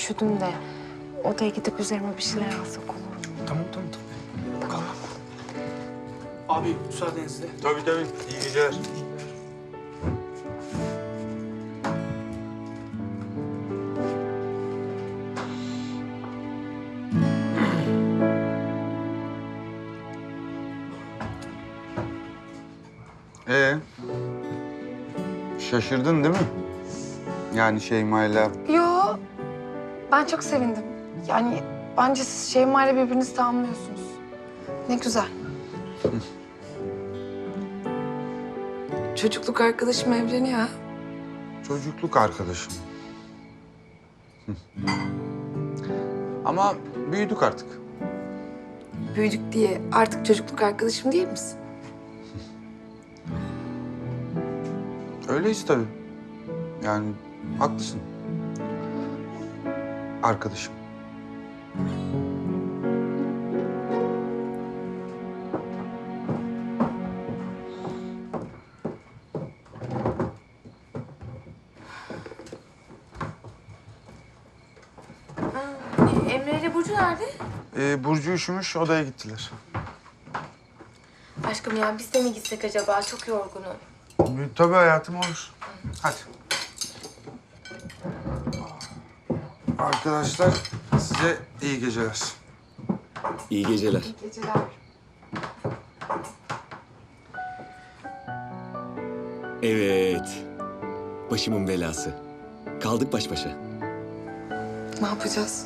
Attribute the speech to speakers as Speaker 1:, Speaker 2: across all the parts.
Speaker 1: üşüdüm de odaya gidip üzerime bir şeyler alsak olur mu?
Speaker 2: Tamam.
Speaker 1: Tamam.
Speaker 2: Abi müsaadenizle.
Speaker 3: Tabii. İyi geceler. Şaşırdın değil mi? Yani Şeyma'yla...
Speaker 1: Yo, ben çok sevindim. Yani bence siz Şeyma ile birbirinizi tamamlıyorsunuz. Ne güzel. Çocukluk arkadaşım evleniyor ha.
Speaker 3: Çocukluk arkadaşım. Ama büyüdük artık.
Speaker 1: Büyüdük diye artık çocukluk arkadaşım değil misin?
Speaker 3: Öyleyiz tabii. Yani haklısın. Arkadaşım.
Speaker 1: Emre ile Burcu nerede?
Speaker 3: Burcu üşümüş, odaya gittiler.
Speaker 1: Aşkım ya biz de mi gitsek acaba? Çok yorgunum.
Speaker 3: Tabii hayatım olur. Hadi. Arkadaşlar size iyi geceler.
Speaker 4: İyi geceler.
Speaker 1: İyi geceler.
Speaker 4: Evet. Başımın belası. Kaldık baş başa.
Speaker 1: Ne yapacağız?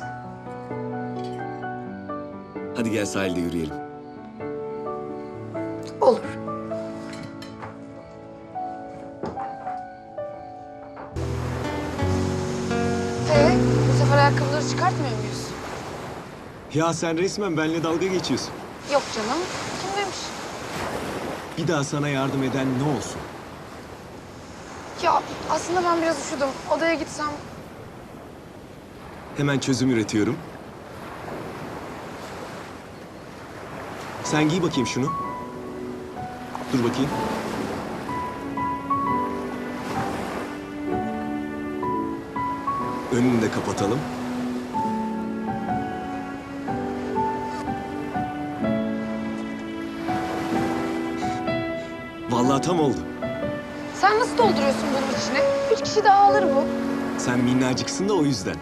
Speaker 4: Hadi gel sahilde yürüyelim.
Speaker 1: Olur. Bu sefer ayakkabıları çıkartmıyor muyuz?
Speaker 4: Ya sen resmen benimle dalga geçiyorsun.
Speaker 1: Yok canım. Kim demiş?
Speaker 4: Bir daha sana yardım eden ne olsun?
Speaker 1: Ya aslında ben biraz üşüdüm. Odaya gitsem...
Speaker 4: Hemen çözüm üretiyorum. Sen giy bakayım şunu. Dur bakayım. Önünü de kapatalım. Vallahi tam oldu.
Speaker 1: Sen nasıl dolduruyorsun bunun içine? 3 kişi daha alır bu.
Speaker 4: Sen minnacıksın da o yüzden.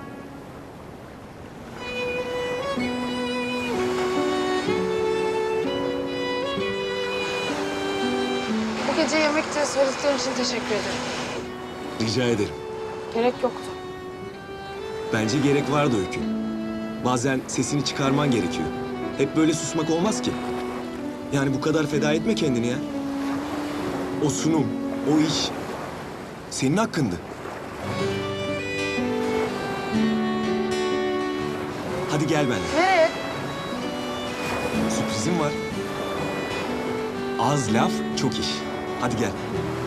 Speaker 1: Bu gece yemekte söylediklerin için teşekkür ederim.
Speaker 4: Rica ederim.
Speaker 1: Gerek yoktu.
Speaker 4: Bence gerek vardı Öykü. Bazen sesini çıkarman gerekiyor. Hep böyle susmak olmaz ki. Yani bu kadar feda etme kendini ya. O sunum, o iş senin hakkındı. Hadi gel benimle.
Speaker 1: Nereye?
Speaker 4: Sürprizim var. Az laf, çok iş. Hadi gel.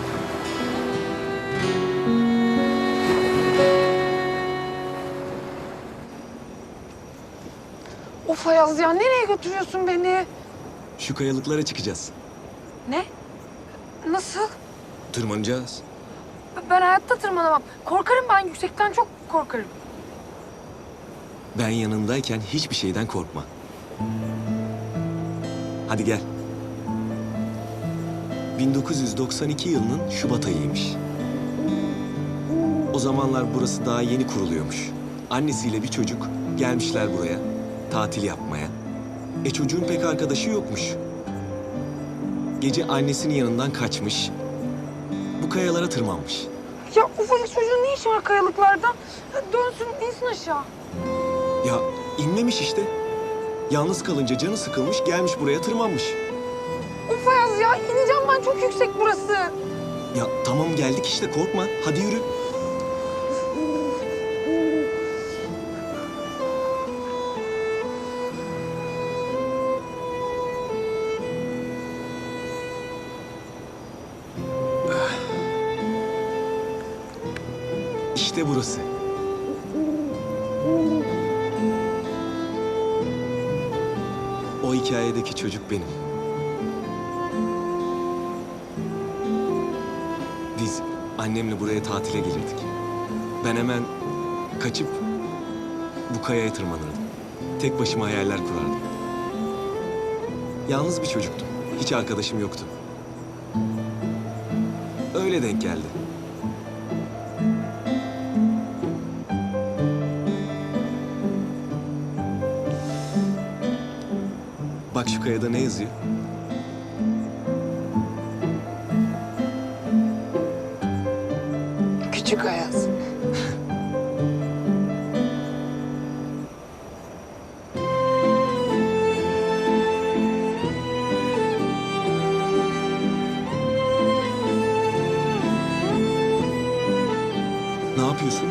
Speaker 1: Of Ayaz ya nereye götürüyorsun beni?
Speaker 4: Şu kayalıklara çıkacağız.
Speaker 1: Ne? Nasıl?
Speaker 4: Tırmanacağız.
Speaker 1: Ben hayatta tırmanamam. Korkarım ben yüksekten çok korkarım.
Speaker 4: Ben yanındayken hiçbir şeyden korkma. Hadi gel. 1992 yılının Şubat ayıymış. O zamanlar burası daha yeni kuruluyormuş. Annesiyle bir çocuk gelmişler buraya tatil yapmaya. Çocuğun pek arkadaşı yokmuş. Gece annesinin yanından kaçmış. Bu kayalara tırmanmış.
Speaker 1: Ya ufacık çocuğun ne işi var kayalıklarda? Dönsün, insin aşağı.
Speaker 4: Ya inmemiş işte. Yalnız kalınca canı sıkılmış gelmiş buraya tırmanmış.
Speaker 1: Of Ayaz ya ineceğim ben çok yüksek burası.
Speaker 4: Ya tamam geldik işte korkma. Hadi yürü. İşte burası. O hikayedeki çocuk benim. Biz annemle buraya tatile gelirdik. Ben hemen kaçıp bu kayaya tırmanırdım. Tek başıma hayaller kurardım. Yalnız bir çocuktum. Hiç arkadaşım yoktu. Öyle denk geldi. Bak şu kayada ne yazıyor?
Speaker 1: Küçük Ayaz.
Speaker 4: Ne yapıyorsun?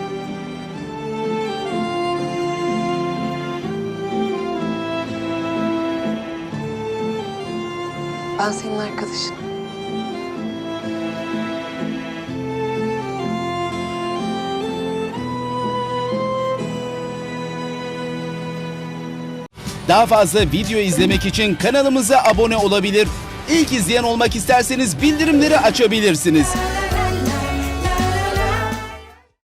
Speaker 1: Ben senin arkadaşınım.
Speaker 5: Daha fazla video izlemek için kanalımıza abone olabilir. İlk izleyen olmak isterseniz bildirimleri açabilirsiniz.